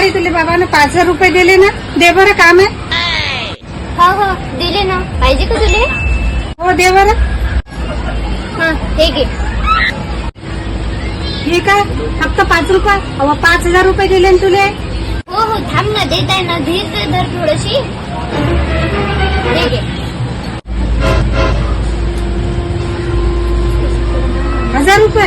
बाई तुले बाबानं 5,000 रुपये दिले ना, दे बरं काम आहे. हो दिले ना. पाहिजे का तुले? हो दे बरं. हा हे घे. हे काय फक्त 5 रुपये? अहो 5,000 रुपये दिले ना तुले. हो थांब ना, देत आहे ना. धीर धर थोडीशी. हे घे. 1,000 रुपये.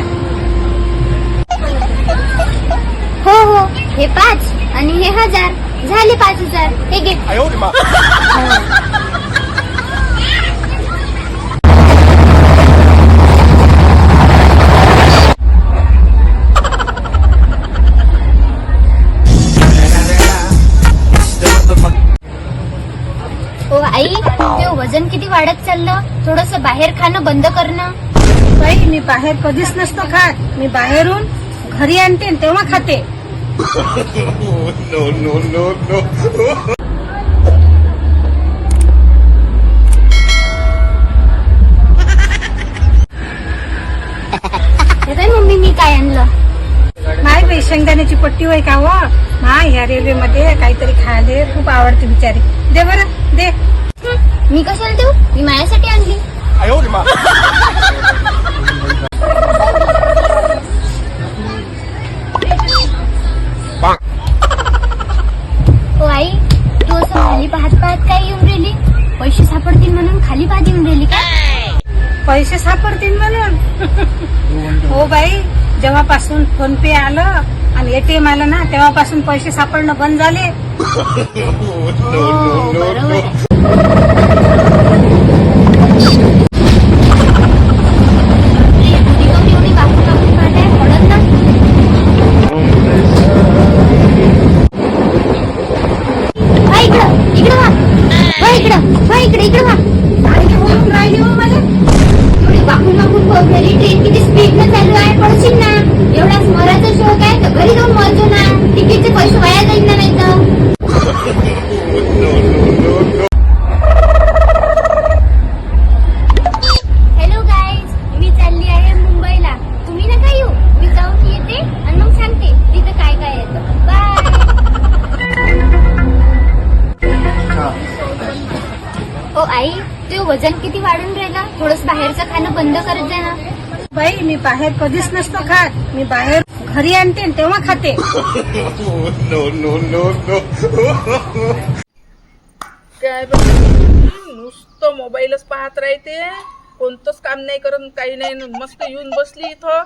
हो हे 5 आणि हे 1,000 झाले 5,000. हे घे. हो आई, ते वजन किती वाढत चाललं. थोडस बाहेर खाणं बंद करणं. बाई मी बाहेर कधीच नसतो खात. मी बाहेरून घरी आणते आणि तेव्हा खाते. हे काय मम्मी, मी काय आणलं? माय बाई शेंगदाण्याची पट्टी होय का व मा ह्या रेल्वे मध्ये काहीतरी खायला खूप आवडते बिचारी. दे बरं दे. मी कशाला देऊ? मी माझ्यासाठी आणली. हो आई, तू असं खाली पाहत काय येऊन राहिली? पैसे सापडतील म्हणून खाली पाहत येऊन राहिली का? पैसे सापडतील म्हणून. हो बाई, जेव्हापासून फोन पे आलं आणि एटीएम आलं ना, तेव्हापासून पैसे सापडणं बंद झाले. हो बरोबर आहे. ट्रेन किती स्पीड न चालू आहे, पडशील ना. एवढा स्मराचा शोक आहे तर घरी जाऊन मरजो ना. तिकीटचे पैसे वाया जाईल ना. नाही तर हॅलो गाईज, मी चालली आहे मुंबईला. तुम्ही नका येऊ. मी जाऊन येते आणि मग सांगते तिथं काय काय येतं. बाय. हो आई, ते वजन किती वाढून राहिलं. थोडस बाहेरचं खाणं बंद करत जा ना. बाई मी बाहेर कधीच नसतो खात. मी बाहेर घरी आणते आणि तेव्हा खाते. काय नुसतं मोबाईलच पाहत राहते. कोणतंच काम नाही करत, काही नाही. मस्त येऊन बसली इथं.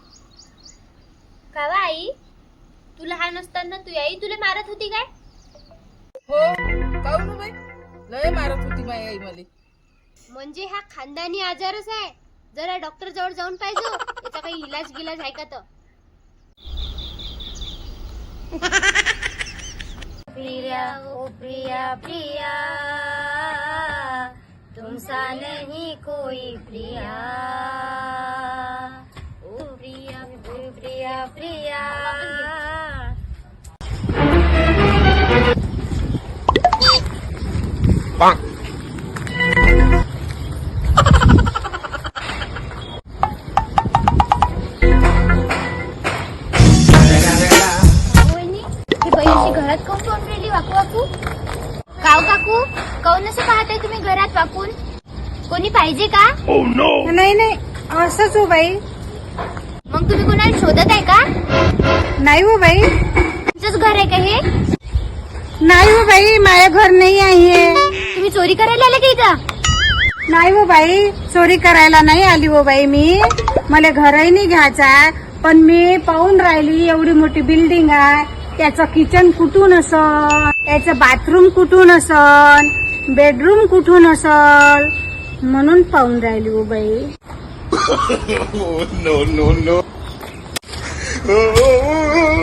का आई, तू लहान असताना तू आई तुला मारत होती काय? हो काऊन बाई, लय मारत होती माझी आई मला. म्हणजे हा खानदानी आजारच आहे. जरा डॉक्टर जवळ जाऊन पाहिजे. याचा काही इलाज गिलाज आहे का? तर प्रिया ओ प्रिया प्रिया, तुमसा नहीं कोई प्रिया. ओ प्रिया प्रिया प्रिया. घरात काऊन पाहून राहिली वाकू? काव काकू, काऊन असं पाहताय तुम्ही घरात वाकून? कोणी पाहिजे का? नाही असंच हो बाई. मग तुम्ही कोणाला शोधत आहे का? नाही हो बाई. तुमचंच घर आहे का हे? नाही हो बाई, माझं घर नाही आहे. तुम्ही चोरी करायला आले का इथं? नाही हो बाई, चोरी करायला नाही आली हो बाई मी. मला घरही नाही घ्यायचा. पण मी पाहून राहिली एवढी मोठी बिल्डिंग आहे. त्याचं किचन कुठून असल, त्याचं बाथरूम कुठून असल, बेडरूम कुठून असल, म्हणून पाहून राहिली हो बाई. no.